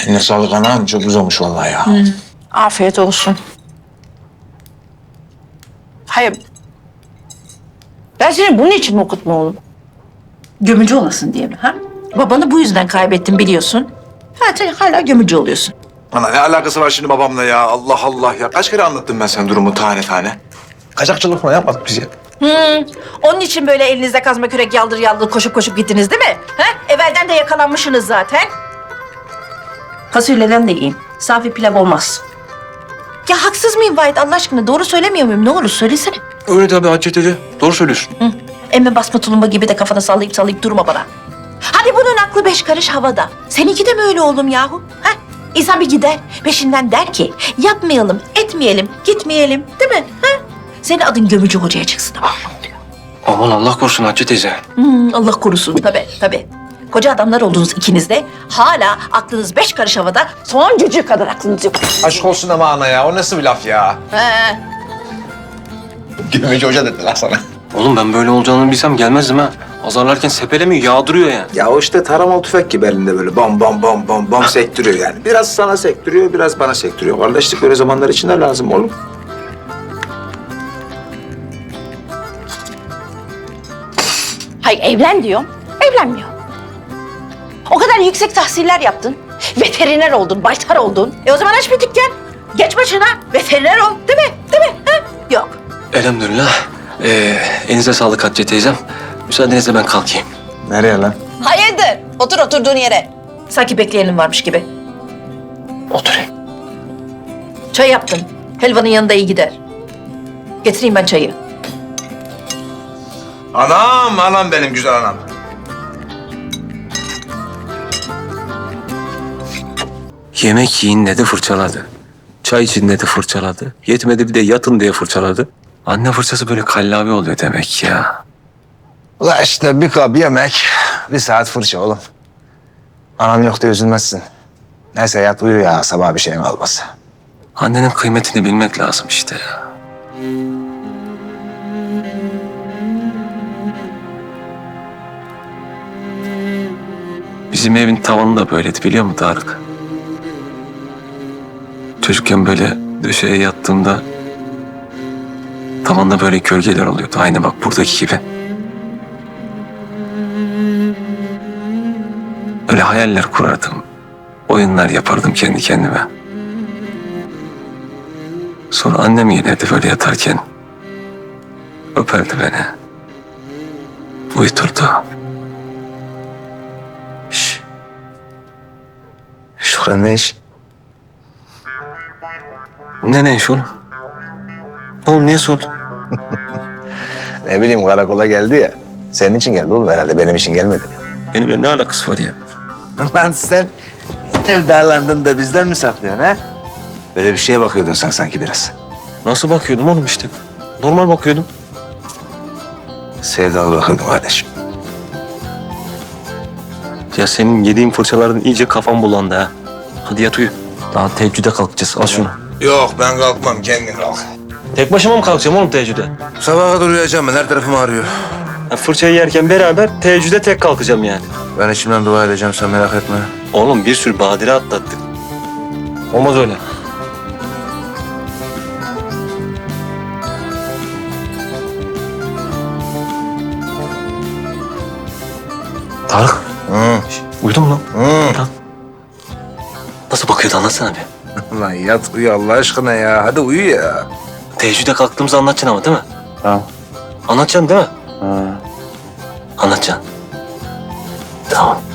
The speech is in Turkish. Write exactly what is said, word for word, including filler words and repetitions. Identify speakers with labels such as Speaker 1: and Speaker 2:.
Speaker 1: Eline sağlık anam. Çok güzel olmuş vallahi ya.
Speaker 2: Hı. Afiyet olsun. Hayır. Ben seni bunun için mi okutma oğlum? Gömücü olasın diye mi ha? Babanı bu yüzden kaybettim biliyorsun. Ha sen hala gömücü oluyorsun.
Speaker 1: Ana ne alakası var şimdi babamla ya? Allah Allah ya. Kaç kere anlattım ben sana durumu tane tane. Kaçakçılık falan yapmadık biz ya.
Speaker 2: Hmm, onun için böyle elinizde kazma kürek yaldır yaldır koşup koşup gittiniz değil mi? Ha? Evvelden de yakalanmışsınız zaten. Fasulyeden de yiyin. Safi pilav olmaz. Ya haksız mıyım Vahit Allah aşkına? Doğru söylemiyor muyum? Ne olur söylesene.
Speaker 1: Öyle tabii Hatice teyze. Doğru söylüyorsun.
Speaker 2: Hı. Emme basma tulumba gibi de kafana sallayıp sallayıp durma bana. Hadi bunun aklı beş karış havada. Seninki de mi öyle oğlum yahu? Ha? İnsan bir gider, peşinden der ki yapmayalım, etmeyelim, gitmeyelim değil mi? Ha? Senin adın gömücü hocaya çıksın ama ne oluyor?
Speaker 3: Aman Allah korusun Hatice teyze.
Speaker 2: Hmm, Allah korusun tabii tabii. Koca adamlar oldunuz ikiniz de. Hala aklınız beş karış havada. Son cücüğü kadar aklınız yok.
Speaker 1: Aşk olsun ama ana ya. O nasıl bir laf ya?
Speaker 2: He.
Speaker 1: Gömücü hoca dediler sana.
Speaker 3: Oğlum ben böyle olacağını bilsem gelmezdim ha. Azarlarken sepelemiyor, yağdırıyor yani.
Speaker 1: Ya o işte taramalı tüfek gibi elinde böyle bam bam bam bam bam sektiriyor yani. Biraz sana sektiriyor, biraz bana sektiriyor. Kardeşlik böyle zamanlar için de lazım oğlum.
Speaker 2: Hayır evlen diyorum. Evlenmiyor. O kadar yüksek tahsiller yaptın. Veteriner oldun, baytar oldun. E o zaman aç bir dükkan. Geç başına veteriner ol. Değil mi? Değil mi? Ha? Yok.
Speaker 3: Elhamdülillah. Ee, elinize sağlık Hatice teyzem. Müsaadenizle ben kalkayım.
Speaker 1: Nereye lan?
Speaker 2: Hayırdır? Otur oturduğun yere. Sanki bekleyenin varmış gibi.
Speaker 3: Oturayım.
Speaker 2: Çay yaptın. Helvanın yanında iyi gider. Getireyim ben çayı.
Speaker 1: Anam, anam benim güzel anam.
Speaker 3: Yemek yiyin dedi fırçaladı. Çay için dedi fırçaladı. Yetmedi bir de yatın diye fırçaladı. Anne fırçası böyle kallavi oluyor demek ya.
Speaker 1: Ula işte bir kap yemek, bir saat fırça oğlum. Anam yok diye üzülmezsin. Neyse yat uyu ya, sabah bir şeyin olmaz.
Speaker 3: Annenin kıymetini bilmek lazım işte ya. Bizim evin tavanı da böyleydi biliyor musun Tarık? Çocukken böyle döşeye yattığımda tavanda böyle gölgeler oluyordu. Aynı bak buradaki gibi. Öyle hayaller kurardım. Oyunlar yapardım kendi kendime. Sonra annem gelirdi böyle yatarken. Öperdi beni. Uyuturdu. Şş.
Speaker 1: Şükran ne iş?
Speaker 3: Ne ne iş oğlum? Oğlum niye sordun?
Speaker 1: Ne bileyim karakola geldi ya. Senin için geldi oğlum herhalde, benim için gelmedi.
Speaker 3: Benimle ne alakası var ya?
Speaker 1: Lan sen sevdalandın da bizden mi saklıyorsun ha? Böyle bir şeye bakıyordun sen sanki biraz.
Speaker 3: Nasıl bakıyordum oğlum işte? Normal bakıyordum.
Speaker 1: Sevdalı bakıyordun kardeşim.
Speaker 3: Ya senin yediğin fırçalardan iyice kafam bulandı ha. Hadi yat uyu. Daha teheccüde kalkacağız. Al şunu.
Speaker 1: Yok ben kalkmam, kendin kalk.
Speaker 3: Tek başıma mı kalkacağım oğlum teheccüde?
Speaker 1: Sabaha kadar uyuyacağım ben, her tarafım ağrıyor.
Speaker 3: Ya fırçayı yerken beraber teheccüde tek kalkacağım yani.
Speaker 1: Ben içimden dua edeceğim, sen merak etme.
Speaker 3: Oğlum bir sürü badire atlattık. Olmaz öyle. Tarık.
Speaker 1: Hı.
Speaker 3: Uyudun mu lan?
Speaker 1: Hı.
Speaker 3: Lan. Nasıl bakıyordu anlatsana bir.
Speaker 1: Lan yat uyu Allah aşkına ya, hadi uyu ya.
Speaker 3: Teheccüde kalktığımızı anlatacaksın ama değil mi?
Speaker 1: Tamam.
Speaker 3: Anlatacaksın değil mi?
Speaker 1: Ha.
Speaker 3: Anlatacaksın. Tamam.